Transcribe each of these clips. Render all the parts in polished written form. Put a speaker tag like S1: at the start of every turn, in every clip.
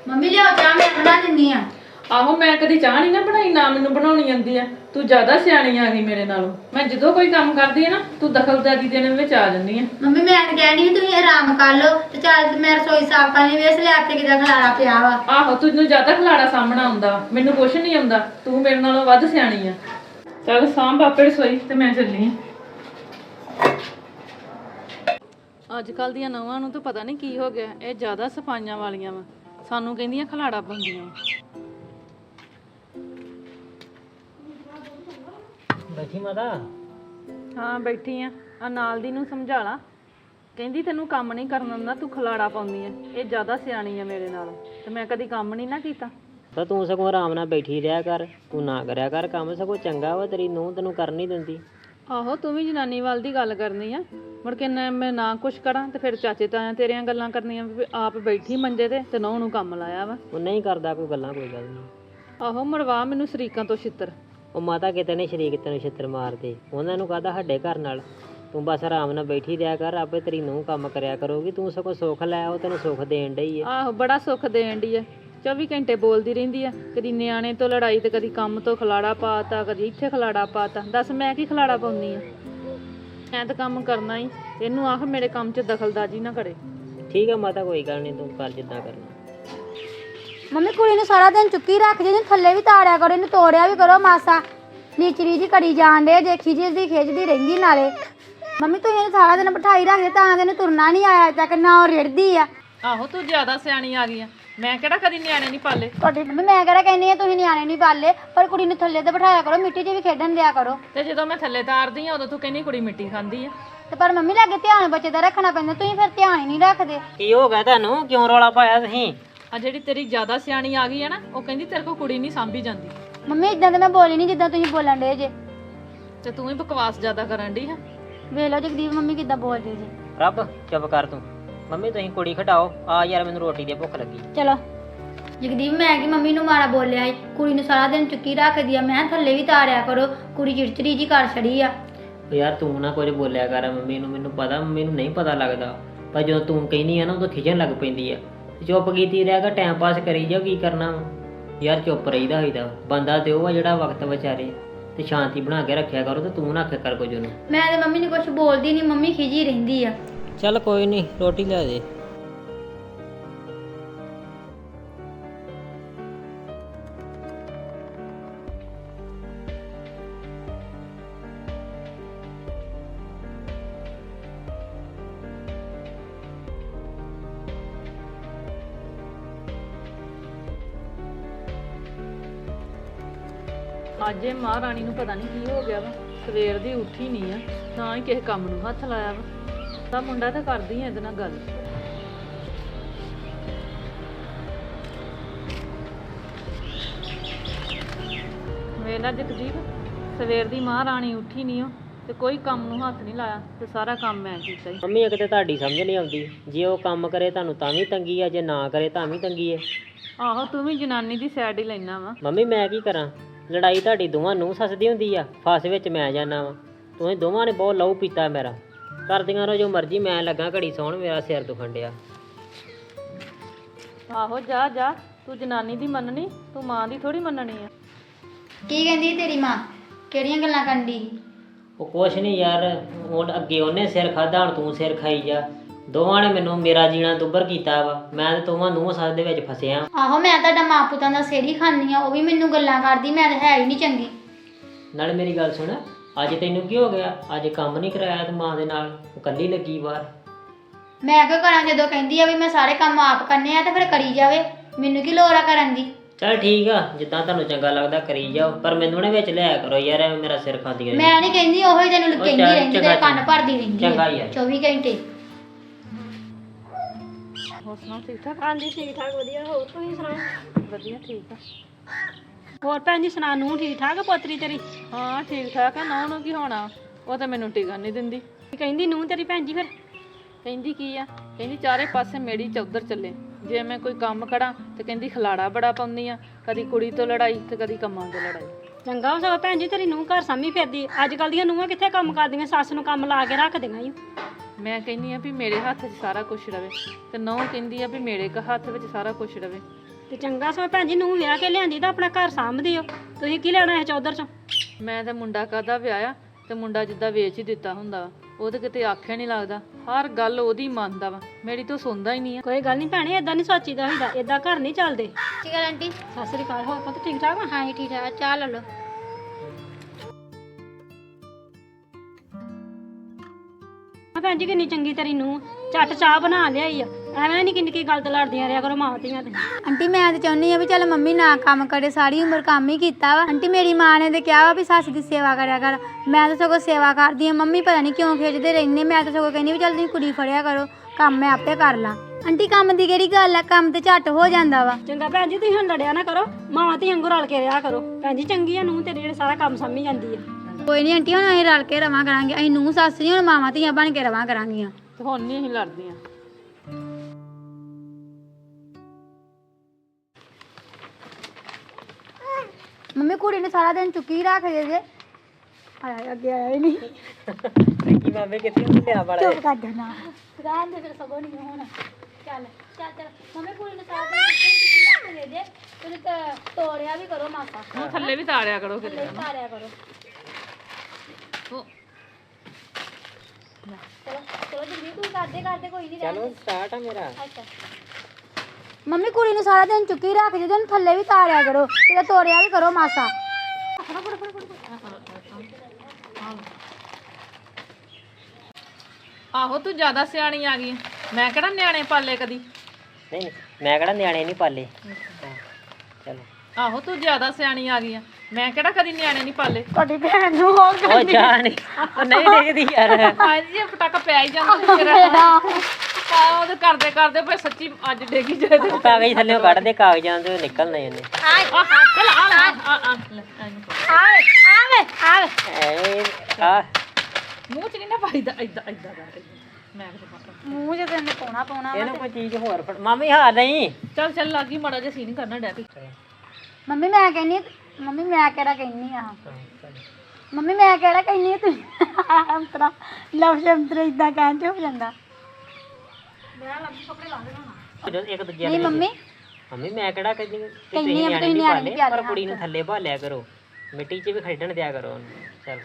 S1: Mummy ਲਿਆਓ ਚਾਹ ਮੈਂ ਬਣਾ ਦਿੰਨੀ ਆ।
S2: ਆਹੋ ਮੈਂ ਕਦੀ ਚਾਹ ਨਹੀਂ ਨਾ ਬਣਾਈ, ਨਾ ਮੈਨੂੰ ਬਣਾਉਣੀ ਆਉਂਦੀ ਆ। ਤੂੰ ਜ਼ਿਆਦਾ ਸਿਆਣੀ ਆ ਗਈ ਮੇਰੇ ਨਾਲੋਂ। ਮੈਂ ਜਦੋਂ ਕੋਈ ਕੰਮ ਕਰਦੀ ਆ ਨਾ ਤੂੰ ਦਖਲਅੰਦਾਜ਼ੀ ਦੇਣ ਵਿੱਚ ਆ ਜਾਂਦੀ ਆ।
S1: ਮੰਮੀ ਮੈਂ ਤਾਂ ਕਹਿਣੀ ਤੁਸੀਂ ਆਰਾਮ ਕਰ ਲਓ ਤੇ ਚੱਲ ਤੇ ਮੈਂ ਰਸੋਈ ਸਾਫ਼ ਕਰਨੀ ਵੇਸ ਲੈਬ ਤੇ ਕਿਦਾਂ ਖਲਾਰਾ ਪਿਆ ਵਾ।
S2: ਆਹੋ ਤੈਨੂੰ ਜ਼ਿਆਦਾ ਖਲਾੜਾ ਸਾਹਮਣਾ ਆਉਂਦਾ ਵਾ, ਮੈਨੂੰ ਕੁਛ ਨਹੀਂ ਆਉਂਦਾ। ਤੂੰ ਮੇਰੇ ਨਾਲੋਂ ਵੱਧ ਸਿਆਣੀ ਆ। ਚੱਲ ਸਾਂਭ ਆਪੇ ਰਸੋਈ ਤੇ ਮੈਂ ਚੱਲੀ ਆ। ਅੱਜ ਕੱਲ ਦੀਆਂ ਨੌਵਾਂ ਨੂੰ ਤਾਂ ਪਤਾ ਨਹੀਂ ਕੀ ਹੋ ਗਿਆ, ਇਹ ਜ਼ਿਆਦਾ ਸਫਾਈਆਂ ਵਾਲੀਆਂ ਵਾ, ਸਾਨੂੰ ਕਹਿੰਦੀਆਂ ਖਲਾੜਾ ਪਾਉਂਦੀਆਂ।
S3: ਬੈਠੀ ਮਾਤਾ?
S2: ਹਾਂ ਬੈਠੀ ਆ ਨਾਲ ਦੀ ਨੂੰ ਸਮਝਾ ਲਾ। ਕਹਿੰਦੀ ਤੈਨੂੰ ਕੰਮ ਨਹੀਂ ਕਰਨ ਆਉਂਦਾ, ਤੂੰ ਖਲਾੜਾ ਪਾਉਂਦੀ ਆ। ਇਹ ਜ਼ਿਆਦਾ ਸਿਆਣੀ ਆ ਮੇਰੇ ਨਾਲ, ਤੇ ਮੈਂ ਕਦੀ ਕੰਮ ਨਹੀਂ ਨਾ ਕੀਤਾ।
S3: ਤਾਂ ਤੂੰ ਸਗੋਂ ਆਰਾਮ ਨਾਲ ਬੈਠੀ ਰਿਹਾ ਕਰ, ਤੂੰ ਨਾ ਕਰਿਆ ਕਰ ਕੰਮ। ਸਗੋਂ ਚੰਗਾ ਵਾ ਤੇਰੀ ਨੂੰਹ ਤੈਨੂੰ ਕਰਨ ਨਹੀਂ ਦਿੰਦੀ।
S2: ਆਹੋ ਤੂੰ ਵੀ ਜਨਾਨੀ ਵੱਲ ਦੀ ਗੱਲ ਕਰਨੀ ਆ, ਮੁੜ ਕੇ ਮੈਂ ਨਾ ਕੁਛ ਕਰਾਂ ਤੇ ਫਿਰ ਚਾਚੇ ਤਾਇਆਂ ਤੇਰੀਆਂ ਗੱਲਾਂ ਕਰਨੀਆਂ ਵੀ ਆਪ ਬੈਠੀ ਮੰਜੇ ਤੇ ਨੂੰਹ ਨੂੰ ਕੰਮ ਲਾਇਆ ਵਾ।
S3: ਉਹ ਨਹੀਂ ਕਰਦਾ ਕੋਈ ਗੱਲਾਂ, ਕੋਈ ਗੱਲ ਨਹੀਂ।
S2: ਆਹੋ ਮਰਵਾ ਮੈਨੂੰ ਸ਼ਰੀਕਾਂ ਤੋਂ ਛਿੱਤਰ।
S3: ਉਹ ਮਾਤਾ ਕਿਤੇ ਨੇ ਸ਼ਰੀਕ ਤੈਨੂੰ ਛਿੱਤਰ ਮਾਰਦੇ, ਉਹਨਾਂ ਨੂੰ ਕਾਹਦਾ ਸਾਡੇ ਘਰ ਨਾਲ। ਤੂੰ ਬਸ ਆਰਾਮ ਨਾਲ ਬੈਠੀ ਰਿਹਾ ਕਰ, ਆਪੇ ਤੇਰੀ ਨੂੰਹ ਕੰਮ ਕਰਿਆ ਕਰੋਗੀ। ਤੂੰ ਸਗੋਂ ਸੁੱਖ ਲੈ, ਉਹ ਤੈਨੂੰ ਸੁੱਖ ਦੇਣ ਡਈ ਆ।
S2: ਆਹੋ ਬੜਾ ਸੁੱਖ ਦੇਣ ਡਈ ਆ, 24 ਘੰਟੇ ਬੋਲਦੀ ਰਹਿੰਦੀ ਆ, ਕਦੀ ਨਿਆਣੇ ਤੋਂ ਲੜਾਈ ਤੇ ਕਦੀ ਕੰਮ ਤੋਂ ਖਲਾੜਾ ਪਾਤਾ, ਕਦੀ ਇੱਥੇ ਖਲਾੜਾ ਪਾਤਾ। ਦੱਸ ਮੈਂ ਕੀ ਖਲਾੜਾ ਪਾਉਂਦੀ ਆ? ਮੈਂ ਤਾਂ ਕੰਮ ਕਰਨਾ ਹੀ। ਇਹਨੂੰ ਆਖ ਮੇਰੇ ਕੰਮ 'ਚ ਦਖਲਅੰਦਾਜ਼ੀ ਨਾ ਕਰੇ।
S3: ਠੀਕ ਆ ਮਾਤਾ, ਕੋਈ ਗੱਲ ਨਹੀਂ, ਤੂੰ ਕਰ ਜਿੱਦਾਂ ਕਰਨਾ।
S1: ਮੰਮੀ ਕੁੜੀ ਨੂੰ ਸਾਰਾ ਦਿਨ ਚੁੱਕੀ ਰੱਖ ਜੇ, ਥੱਲੇ ਵੀ ਤਾੜਿਆ ਕਰੋ, ਇਹਨੂੰ ਤੋੜਿਆ ਵੀ ਕਰੋ ਮਾਸਾ। ਨੀਚਰੀ ਜੀ ਕਰੀ ਜਾਣ ਦੇ ਜੇ ਖਿਜਦੀ ਰਹਿੰਦੀ ਨਾਲੇ। ਮੰਮੀ ਤੁਸੀਂ ਇਹਨੂੰ ਸਾਰਾ ਦਿਨ ਬਿਠਾਈ ਰੱਖਦੇ ਤਾਂ ਇਹਨੂੰ ਤੁਰਨਾ ਨਹੀਂ ਆਇਆ ਤੱਕ, ਨਾ ਉਹ ਰਿੜਦੀ ਆ।
S2: ਆਹੋ ਤੂੰ ਜ਼ਿਆਦਾ ਸਿਆਣੀ ਆ ਗਈ ਆ, ਮੈਂ ਕਿਹੜਾ ਕਦੀ ਨਿਆਣੇ ਨਹੀਂ ਪਾਲੇ।
S1: ਤੁਹਾਡੀ ਮੰਮੀ ਮੈਂ ਕਿਹੜਾ ਕਹਿੰਦੀ ਆ ਤੁਸੀਂ ਨਿਆਣੇ ਨਹੀਂ ਪਾਲੇ, ਪਰ ਕੁੜੀ ਨੂੰ ਥੱਲੇ ਤੇ ਬਿਠਾਇਆ ਕਰੋ, ਮਿੱਟੀ 'ਚ ਵੀ ਖੇਡਣ ਦਿਆ ਕਰੋ।
S2: ਤੇ ਜਦੋਂ ਮੈਂ ਥੱਲੇ ਤਾਰਦੀ ਆ ਉਦੋਂ ਤੂੰ ਕਹਿੰਦੀ ਕੁੜੀ ਮਿੱਟੀ ਖਾਂਦੀ ਆ।
S1: ਤੇ ਪਰ ਮੰਮੀ ਲਾਗੇ ਧਿਆਨ ਬੱਚੇ ਦਾ ਰੱਖਣਾ ਪੈਂਦਾ, ਤੁਸੀਂ ਫਿਰ ਧਿਆਨ ਹੀ ਨਹੀਂ ਰੱਖਦੇ।
S3: ਕੀ ਹੋ ਗਿਆ ਤੁਹਾਨੂੰ? ਕਿਉਂ ਰੌਲਾ ਪਾਇਆ ਤੁਸੀਂ?
S2: ਆ ਜਿਹੜੀ ਤੇਰੀ ਜ਼ਿਆਦਾ ਸਿਆਣੀ ਆ ਗਈ ਆ ਨਾ, ਉਹ ਕਹਿੰਦੀ ਤੇਰੇ ਕੋਲ ਕੁੜੀ ਨਹੀਂ ਸਾਂਭੀ ਜਾਂਦੀ।
S1: ਮੰਮੀ ਇਦਾਂ ਤੇ ਮੈਂ ਬੋਲੀ ਨਹੀਂ ਜਿੱਦਾਂ ਤੁਸੀਂ ਬੋਲਣ ਡੇ ਜੇ।
S2: ਤੇ ਤੂੰ ਹੀ ਬਕਵਾਸ ਜ਼ਿਆਦਾ ਕਰਨ ਡਈ ਆ।
S1: ਵੇਖ ਲਓ ਜਗਦੀਪ ਮੰਮੀ ਕਿੱਦਾਂ ਬੋਲਦੇ ਜੇ।
S3: ਰੱਬ ਚੁੱਪ ਕਰ ਤੂੰ। ਮੰਮੀ ਤੁਸੀਂ ਕੁੜੀ ਖਟਾਓ, ਆ ਯਾਰ ਮੈਨੂੰ ਰੋਟੀ ਦੀ ਭੁੱਖ ਲੱਗੀ।
S1: ਚਲੋ ਜਗਦੀਪ ਮੈਂ ਕਿ ਮੰਮੀ ਨੂੰ ਮਾਰਾ ਬੋਲਿਆ ਈ, ਕੁੜੀ ਨੂੰ ਸਾਰਾ ਦਿਨ ਚੁੱਕੀ ਰੱਖਦੀ ਆ, ਮੈਂ ਥੱਲੇ ਵੀ ਤਾਰਿਆ ਕਰੋ, ਕੁੜੀ ਚਿੜਚਿੜੀ ਜੀ ਕਰ ਛੜੀ ਆ।
S3: ਯਾਰ ਤੂੰ ਨਾ ਕੁਝ ਬੋਲਿਆ ਕਰ ਮੰਮੀ ਨੂੰ, ਮੈਨੂੰ ਪਤਾ ਮੰਮੀ ਨੂੰ ਨਹੀਂ ਪਤਾ ਲੱਗਦਾ, ਪਰ ਜਦੋਂ ਤੂੰ ਕਹਿੰਦੀ ਆ ਨਾ ਉਦੋਂ ਖਿਜਣ ਲੱਗ ਪੈਂਦੀ ਆ। ਚੁੱਪ ਕੀਤੀ ਰਿਹਾ ਕਰ, ਟਾਈਮ ਪਾਸ ਕਰੀ ਜਾਓ, ਕੀ ਕਰਨਾ ਵਾ ਯਾਰ। ਚੁੱਪ ਰਹੀਦਾ ਹੋਈਦਾ, ਬੰਦਾ ਤੇ ਉਹ ਆ ਜਿਹੜਾ ਵਕਤ ਵਿਚਾਰੇ, ਤੇ ਸ਼ਾਂਤੀ ਬਣਾ ਕੇ ਰੱਖਿਆ ਕਰੋ। ਤੇ ਤੂੰ ਨਾ ਆਖਿਆ ਕਰ ਕੁਝ ਉਹਨੂੰ।
S1: ਮੈਂ ਤੇ ਮੰਮੀ ਨੂੰ ਕੁਝ ਬੋਲਦੀ ਨਹੀਂ, ਮੰਮੀ ਖਿਜੀ ਰਹਿੰਦੀ ਆ।
S3: ਚੱਲ ਕੋਈ ਨਹੀਂ, ਰੋਟੀ ਲੈ ਦੇ।
S2: ਅੱਜ ਇਹ ਮਹਾਰਾਣੀ ਨੂੰ ਪਤਾ ਨਹੀਂ ਕੀ ਹੋ ਗਿਆ ਵਾ, ਸਵੇਰ ਦੀ ਉੱਠੀ ਨਹੀਂ ਆ, ਨਾ ਹੀ ਕਿਸੇ ਕੰਮ ਨੂੰ ਹੱਥ ਲਾਇਆ ਵਾ। ਤਾਂ ਮੁੰਡਾ ਤਾਂ ਕਰਦੀ ਆ ਇਹਦੇ ਨਾਲ ਗੱਲ। ਵੇਲਾ ਜਗਜੀਤ, ਸਵੇਰ ਦੀ ਮਹਾਰਾਣੀ ਉੱਠੀ ਨਹੀਂ ਉਹ, ਤੇ ਕੋਈ ਕੰਮ ਨੂੰ ਹੱਥ ਨਹੀਂ ਲਾਇਆ, ਤੇ ਸਾਰਾ ਕੰਮ ਮੈਂ ਕੀਤਾ ਹੀ।
S3: ਮੰਮੀ ਇੱਕ ਤੇ ਤੁਹਾਡੀ ਸਮਝ ਨਹੀਂ ਆਉਂਦੀ, ਜੇ ਉਹ ਕੰਮ ਕਰੇ ਤੁਹਾਨੂੰ ਤਾਂ ਵੀ ਤੰਗੀ ਆ, ਜੇ ਨਾ ਕਰੇ ਤਾਂ ਵੀ ਤੰਗੀ ਹੈ।
S2: ਆਹੋ ਤੂੰ ਵੀ ਜਨਾਨੀ ਦੀ ਸਾਈਡ ਹੀ ਲੈਣਾ ਵਾ।
S3: ਮੰਮੀ ਮੈਂ ਕੀ ਕਰਾਂ? ਲੜਾਈ ਤੁਹਾਡੀ ਦੋਵਾਂ ਨੂੰ ਸੱਸਦੀ ਹੁੰਦੀ ਆ, ਫਸ ਵਿੱਚ ਮੈਂ ਜਾਣਾ ਵਾ। ਤੁਸੀਂ ਦੋਵਾਂ ਨੇ ਬਹੁਤ ਲਹੂ ਪੀਤਾ ਮੇਰਾ। ਕਰਦੀਆਂ ਰਹੋ ਜੋ ਮਰਜ਼ੀ, ਮੈਂ ਲੱਗਾ ਘੜੀ ਸੌਣ, ਮੇਰਾ ਸਿਰ ਦੁਖਣ ਡਿਆ।
S2: ਆਹੋ ਜਾ ਜਾ, ਤੂੰ ਜਨਾਨੀ ਦੀ ਮੰਨਣੀ, ਤੂੰ ਮਾਂ ਦੀ ਥੋੜੀ ਮੰਨਣੀ ਆ।
S1: ਕੀ ਕਹਿੰਦੀ ਤੇਰੀ ਮਾਂ? ਕਿਹੜੀਆਂ ਗੱਲਾਂ ਕਰਨ ਦੀ?
S3: ਉਹ ਕੁਛ ਨਹੀਂ ਯਾਰ, ਹੁਣ ਅੱਗੇ ਉਹਨੇ ਸਿਰ ਖਾਧਾ, ਹੁਣ ਤੂੰ ਸਿਰ ਖਾਈ ਜਾ। ਦੋਵਾਂ ਨੇ ਮੈਨੂੰ ਮੇਰਾ ਜੀਣਾ ਦੁੱਬਰ ਕੀਤਾ ਵਾ। ਮੈਂ ਤੇ ਦੋਵਾਂ ਨੂੰਹ ਸੱਸ ਦੇ ਵਿੱਚ ਫਸਿਆ।
S1: ਆਹੋ ਮੈਂ ਤੁਹਾਡਾ ਮਾਂ ਪੁੱਤਾਂ ਦਾ ਸਿਰ ਹੀ ਖਾਂਦੀ ਆ, ਉਹ ਵੀ ਮੈਨੂੰ ਗੱਲਾਂ ਕਰਦੀ, ਮੈਂ ਤਾਂ ਹੈ ਹੀ ਨਹੀਂ ਚੰਗੀ।
S3: ਨਾਲੇ ਮੇਰੀ ਗੱਲ ਸੁਣ, ਅੱਜ ਤੈਨੂੰ ਕੀ ਹੋ ਗਿਆ? ਅੱਜ ਕੰਮ ਨਹੀਂ ਕਰਾਇਆ ਤੂੰ ਮਾਂ ਦੇ ਨਾਲ, ਉਹ ਇਕੱਲੀ ਲੱਗੀ ਬਾਹਰ।
S1: ਮੈਂ ਕਿਉਂ ਕਰਾਂ? ਜਦੋਂ ਕਹਿੰਦੀ ਆ ਵੀ ਮੈਂ ਸਾਰੇ ਕੰਮ ਆਪ ਕਰਨੇ ਆ ਤੇ ਫਿਰ ਕਰੀ ਜਾਵੇ, ਮੈਨੂੰ ਕੀ ਲੋੜ ਆ ਕਰਨ ਦੀ?
S3: ਚੱਲ ਠੀਕ ਆ, ਜਿੱਦਾਂ ਤੁਹਾਨੂੰ ਚੰਗਾ ਲੱਗਦਾ ਕਰੀ ਜਾਓ, ਪਰ ਮੈਨੂੰ ਨੇ ਵਿੱਚ ਲਿਆ ਕਰੋ ਯਾਰ, ਐਵੇਂ ਮੇਰਾ ਸਿਰ ਖਾਂਦੀ ਰਹਿੰਦੀ।
S1: ਮੈਂ ਨਹੀਂ ਕਹਿੰਦੀ, ਉਹੋ ਹੀ ਤੈਨੂੰ ਕਹਿੰਦੀ ਰਹਿੰਦੀ, ਤੇਰੇ ਕੰਨ ਭਰਦੀ ਰਹਿੰਦੀ
S3: ਚੰਗਾ ਯਾਰ
S1: 24 ਘੰਟੇ।
S2: ਹੋਰ ਸੁਣਾਓ ਠੀਕ ਠਾਕ?
S4: ਹਾਂਜੀ ਠੀਕ ਠਾਕ ਵਧੀਆ। ਹੋਰ ਤੁਸੀਂ ਸੁਣਾਓ?
S2: ਵਧੀਆ ਠੀਕ ਆ।
S4: ਹੋਰ ਭੈਣ ਜੀ ਸੁਣਾ, ਨੂੰ ਠੀਕ ਠਾਕ ਪੋਤਰੀ ਤੇਰੀ?
S2: ਹਾਂ ਠੀਕ ਠਾਕ ਆ। ਨਾ ਨੂੰ ਕੀ ਹੋਣਾ, ਉਹ ਤਾਂ ਮੈਨੂੰ ਟਿਕਣ ਨਹੀਂ ਦਿੰਦੀ।
S4: ਕੀ ਕਹਿੰਦੀ ਨੂੰ ਤੇਰੀ ਭੈਣ ਜੀ ਫਿਰ?
S2: ਕਹਿੰਦੀ ਕੀ ਆ? ਕਹਿੰਦੀ ਚਾਰੇ ਪਾਸੇ ਮੇਰੀ ਚੌਧਰ ਚੱਲੇ। ਜੇ ਮੈਂ ਕੋਈ ਕੰਮ ਕਰਾਂ ਤੇ ਕਹਿੰਦੀ ਖਲਾੜਾ ਬੜਾ ਪਾਉਂਦੀ ਆ, ਕਦੀ ਕੁੜੀ ਤੋਂ ਲੜਾਈ ਤੇ ਕਦੀ ਕੰਮਾਂ ਤੋਂ ਲੜਾਈ।
S4: ਚੰਗਾ ਹੋ ਸਗੋਂ ਭੈਣ ਜੀ, ਤੇਰੀ ਨੂੰਹ ਘਰ ਸਾਂਭੀ ਫਿਰਦੀ। ਅੱਜ ਕੱਲ੍ਹ ਦੀਆਂ ਨੂੰਹਾਂ ਕਿੱਥੇ ਕੰਮ ਕਰਦੀਆਂ, ਸੱਸ ਨੂੰ ਕੰਮ ਲਾ ਕੇ ਰੱਖਦੀਆਂ ਈ।
S2: ਮੈਂ ਕਹਿੰਦੀ ਆ ਵੀ ਮੇਰੇ ਹੱਥ 'ਚ ਸਾਰਾ ਕੁਝ ਰਵੇ, ਤੇ ਨਹੁੰ ਕਹਿੰਦੀ ਆ ਵੀ ਮੇਰੇ ਹੱਥ ਵਿੱਚ ਸਾਰਾ ਕੁਝ ਰਵੇ।
S4: ਤੇ ਚੰਗਾ ਸੋ ਭੈਣ ਜੀ ਨੂੰ ਵਿਆਹ ਕੇ ਲਿਆਂਦੀ ਤਾਂ ਆਪਣਾ ਘਰ ਸਾਂਭਦੀ ਹੋ, ਤੁਸੀਂ ਕੀ ਲੈਣਾ ਹੈ ਚੌਧਰ ਚੋਂ?
S2: ਮੈਂ ਤਾਂ ਮੁੰਡਾ ਕਾਹਦਾ ਵਿਆਹਿਆ ਤੇ ਮੁੰਡਾ ਜਿੱਦਾਂ ਵੇਚ ਹੀ ਦਿੱਤਾ ਹੁੰਦਾ ਵਾ, ਉਹ ਤੇ ਕਿਤੇ ਆਖਿਆ ਨਹੀਂ ਲੱਗਦਾ, ਹਰ ਗੱਲ ਉਹਦੀ ਮੰਨਦਾ ਵਾ, ਮੇਰੀ ਤਾਂ ਸੁਣਦਾ ਹੀ ਨਹੀਂ ਆ।
S4: ਕੋਈ ਗੱਲ ਨਹੀਂ ਭੈਣੇ, ਏਦਾਂ ਨਹੀਂ ਸੋਚੀਦਾ ਹੋਈਦਾ, ਏਦਾਂ ਘਰ ਨਹੀਂ ਚੱਲਦੇ।
S1: ਠੀਕ ਹੈ ਆਂਟੀ।
S4: ਸਤਿ ਸ੍ਰੀ ਅਕਾਲ। ਹੋਰ ਪੁੱਤ ਠੀਕ ਠਾਕ ਆ?
S1: ਹਾਂ ਜੀ ਠੀਕ ਠਾਕ, ਚਾਹ ਲੈ ਲਓ।
S4: ਭੈਣ ਜੀ ਕਿੰਨੀ ਚੰਗੀ ਤੇਰੀ ਨੂੰ ਝੱਟ ਚਾਹ ਬਣਾ ਲਿਆਈ ਆ, ਐਵੇਂ ਨਹੀਂ ਕਿੰਨੀ ਕੀ ਗੱਲ ਤੇ ਲੜਦੀਆਂ ਰਿਆ ਕਰੋ ਮਾਂ ਧੀਆਂ ਤੇ।
S1: ਆਂਟੀ ਮੈਂ ਤਾਂ ਚਾਹੁੰਦੀ ਆ ਵੀ ਚੱਲ ਮੰਮੀ ਨਾ ਕੰਮ ਕਰੇ, ਸਾਰੀ ਉਮਰ ਕੰਮ ਹੀ ਕੀਤਾ ਵਾ। ਆਂਟੀ ਮੇਰੀ ਮਾਂ ਨੇ ਤੇ ਕਿਹਾ ਵਾ ਵੀ ਸੱਸ ਦੀ ਸੇਵਾ ਕਰਿਆ ਕਰ, ਮੈਂ ਤਾਂ ਸਗੋਂ ਸੇਵਾ ਕਰਦੀ ਆ। ਮੰਮੀ ਪਤਾ ਨਹੀਂ ਕਿਉਂ ਖਿੱਚਦੇ ਰਹਿੰਦੇ, ਮੈਂ ਤਾਂ ਸਗੋਂ ਕਹਿੰਦੀ ਵੀ ਚੱਲ ਤੁਸੀਂ ਕੁੜੀ ਫੜਿਆ ਕਰੋ, ਕੰਮ ਮੈਂ ਆਪੇ ਕਰ ਲਾਂ। ਆਂਟੀ ਕੰਮ ਦੀ ਕਿਹੜੀ ਗੱਲ ਆ, ਕੰਮ ਤੇ ਝੱਟ ਹੋ ਜਾਂਦਾ ਵਾ।
S4: ਚੰਗਾ ਭੈਣ ਜੀ, ਤੁਸੀਂ ਹੁਣ ਲੜਿਆ ਨਾ ਕਰੋ, ਮਾਂ ਧੀਆਂ ਵਾਂਗੂ ਰਲ ਕੇ ਰਿਹਾ ਕਰੋ। ਭੈਣ ਜੀ ਚੰਗੀ ਆ ਨੂੰ ਤੇਰੀ, ਜਿਹੜੇ ਸਾਰਾ ਕੰਮ ਸੰਭੀ ਜਾਂਦੀ ਆ।
S1: ਕੋਈ ਨਹੀਂ ਆਂਟੀ, ਹੁਣ ਅਸੀਂ ਰਲ ਕੇ ਰਵਾਂ ਕਰਾਂਗੇ, ਅਸੀਂ ਨੂੰਹ ਸੱਸ ਨਹੀਂ, ਹੁਣ ਮਾਵਾਂ ਧੀਆਂ ਬਣ ਕੇ ਰਵਾਂ ਕਰਾਂਗੀਆਂ।
S2: ਤੇ ਹੁਣ ਨਹੀਂ ਅਸੀਂ ਲੜਦੀਆਂ।
S1: ਮੰਮੀ ਕੁੜੀ ਨੇ ਸਾਰਾ ਦਿਨ ਚੁੱਕੀ ਰੱਖਦੇ ਜੇ, ਆਇਆ ਅੱਗੇ ਆਇਆ ਹੀ ਨਹੀਂ।
S3: ਕੀ ਮਾਮੇ ਕਿੱਥੇ ਹੁੰਦੇ ਆ ਵਾਲਾ
S1: ਚੁੱਪ ਕਰ ਜਾਣਾ, ਰਹਿਣ ਦੇ ਫਿਰ, ਸਗੋਂ ਨਹੀਂ ਹੋਣਾ। ਚੱਲ ਚੱਲ ਚੱਲ ਮੰਮੀ, ਕੁੜੀ ਨੇ ਸਾਰਾ ਦਿਨ ਚੁੱਕੀ ਰੱਖਦੇ ਜੇ, ਤੁਸੀਂ ਤੋੜਿਆ ਵੀ ਕਰੋ ਮਾਸਾ,
S2: ਉਹ ਥੱਲੇ ਵੀ ਤਾਰਿਆ ਕਰੋ ਕਿਤੇ।
S1: ਥੱਲੇ ਤਾਰਿਆ ਕਰੋ। ਚਲੋ ਚਲੋ ਜਲਦੀ, ਤੁਸੀਂ ਕਰਦੇ ਕਰਦੇ ਕੋਈ ਨਹੀਂ।
S3: ਚਲੋ ਸਟਾਰਟ ਆ ਮੇਰਾ।
S1: ਅੱਛਾ ਮੰਮੀ, ਕੁੜੀ ਨੂੰ ਸਾਰਾ ਦਿਨ ਚੁੱਕੀ ਰੱਖਦੇ ਜੇ, ਉਹਨੂੰ ਥੱਲੇ ਵੀ ਤਾਰਿਆ ਕਰੋ ਤੇ ਤੋੜਿਆ ਵੀ ਕਰੋ ਮਾਸਾ।
S2: ਆਹੋ ਤੂੰ ਜ਼ਿਆਦਾ ਸਿਆਣੀ ਆ ਗਈ, ਮੈਂ ਕਿਹੜਾ ਨਿਆਣੇ ਪਾਲੇ ਕਦੀ।
S3: ਨਹੀਂ ਮੈਂ ਕਿਹੜਾ ਨਿਆਣੇ ਨਹੀਂ ਪਾਲੇ। ਚਲੋ
S2: ਆਹੋ ਤੂੰ ਜ਼ਿਆਦਾ ਸਿਆਣੀ ਆ ਗਈ ਆ, ਮੈਂ ਕਿਹੜਾ ਕਦੀ ਨਿਆਣੇ ਨਹੀਂ ਪਾਲੇ।
S1: ਤੁਹਾਡੀ ਭੈਣ ਨੂੰ ਹੋਰ
S3: ਉਹ ਜਾ ਨਹੀਂ, ਉਹ ਨਹੀਂ ਡਿੱਗਦੀ ਯਾਰ।
S2: ਹਾਂਜੀ ਇਹ ਪਟਾਕਾ ਪਿਆ ਹੀ ਜਾਂਦਾ ਮੇਰਾ। ਉਹ ਤੇ ਕਰਦੇ ਕਰਦੇ ਪਰ ਸੱਚੀ ਅੱਜ ਡੇਗੀ ਜਾਏ ਤੇ
S3: ਕਾਗਜ਼ ਥੱਲੇ ਕੱਢ ਦੇ, ਕਾਗਜ਼ਾਂ ਤੋਂ ਨਿਕਲਣਾ ਇਹਨੇ।
S2: ਚੱਲ ਆ ਲੈ ਆ
S1: ਆਵੇ ਆਵੇ ਆਵੇ
S3: ਐ ਆ
S2: ਮੂੰਹ ਚ ਨਹੀਂ ਨਾ ਪਾਈਦਾ, ਏਦਾਂ ਏਦਾਂ ਕਰ ਮੈਂ ਕਿਤੇ ਪਾਪਾ
S1: ਮੂੰਹ ਜੇ ਤੈਨੂੰ ਪਾਉਣਾ
S3: ਇਹਨੂੰ ਕੋਈ ਚੀਜ਼ ਹੋਰ ਫੜ। ਮਾਮੀ ਹਾਂ ਨਹੀਂ।
S2: ਚੱਲ ਚੱਲ ਲੱਗੀ ਮਾੜਾ ਜਿਹਾ ਸੀਨ ਕਰਨਾ ਡੈ ਪਈ।
S1: ਮੰਮੀ ਮੈਂ ਕਹਿੰਨੀ, ਮੰਮੀ ਮੈਂ ਕਿਹੜਾ ਕਹਿੰਨੀ ਆ, ਮੰਮੀ ਮੈਂ ਕਿਹੜਾ ਕਹਿੰਨੀ ਆ, ਤੁਸੀਂ ਅੰਤਰਾ ਲਵ ਸ਼ਬਦ ਇਦਾਂ ਕਹਿਣ ਤੇ ਹੋ ਜਾਂਦਾ।
S3: ਇੱਕ ਦੂਜੇ
S1: ਨਹੀਂ ਮੰਮੀ,
S3: ਮੰਮੀ ਮੈਂ ਕਿਹੜਾ ਕਹਿੰਦੀ
S1: ਕਹਿੰਦੀ
S3: ਤੁਸੀਂ
S1: ਆ ਵੀ
S3: ਨਿਆਣੇ
S1: ਤੁਸੀਂ
S3: ਨਹੀਂ
S1: ਨਿਆਣੇ ਨੀ
S3: ਪਾਲੇ, ਪਰ
S1: ਪਾਲੇ।
S3: ਕੁੜੀ ਨੂੰ ਥੱਲੇ ਭਾਲਿਆ ਕਰੋ, ਮਿੱਟੀ 'ਚ ਵੀ ਖੇਡਣ ਦਿਆ ਕਰੋ ਉਹਨੂੰ। ਚਲ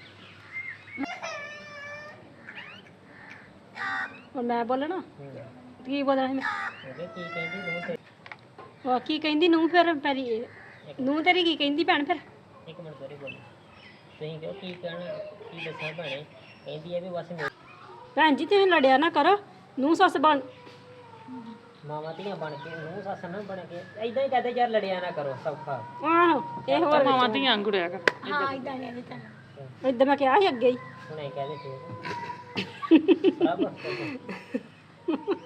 S4: ਹੁਣ ਮੈਂ ਬੋਲਣਾ ਕੀ ਬੋਲਣਾ ਸੀ ਮੈਂ?
S3: ਕੀ ਕਹਿੰਦੀ ਤੂੰ?
S4: ਉਹ ਕੀ ਕਹਿੰਦੀ ਨੂੰ ਫਿਰ ਤੇਰੀ ਨੂੰ ਤੇਰੀ ਕੀ ਕਹਿੰਦੀ ਭੈਣ ਫਿਰ?
S3: ਇੱਕ ਮਿੰਟ ਸੋਰੀ ਬੋਲ, ਤੁਸੀਂ ਕਿਉਂ ਕੀ ਕਹਿਣਾ, ਕੀ ਦੱਸਾਂ ਭੈਣੇ? ਕਹਿੰਦੀ ਹੈ ਵੀ ਬਸ
S4: ਭੈਣ ਜੀ ਤੁਸੀਂ ਲੜਿਆ ਨਾ ਕਰੋ, ਨੂੰ ਸੱਸ ਬਣ
S3: ਮਾਵਾਂ ਧੀਆਂ ਬਣ ਕੇ, ਨੂੰ ਸੱਸ ਨਾ ਬਣ ਕੇ, ਏਦਾਂ ਹੀ ਕਹਦੇ ਯਾਰ ਲੜਿਆ ਨਾ ਕਰੋ, ਸੌਖਾ।
S4: ਆਹੋ ਇਹ ਹੋਰ
S2: ਮਾਵਾਂ ਧੀਆਂ ਗੁੜਿਆ ਕਰ।
S1: ਹਾਂ ਇਦਾਂ ਨਹੀਂ ਤਾਂ
S4: ਏਦਾਂ ਮੈਂ ਕਿਹਾ ਸੀ ਅੱਗੇ ਹੀ।
S3: ਹੁਣ ਇਹ ਕਹਦੇ ਫੇਰ ਰੱਬ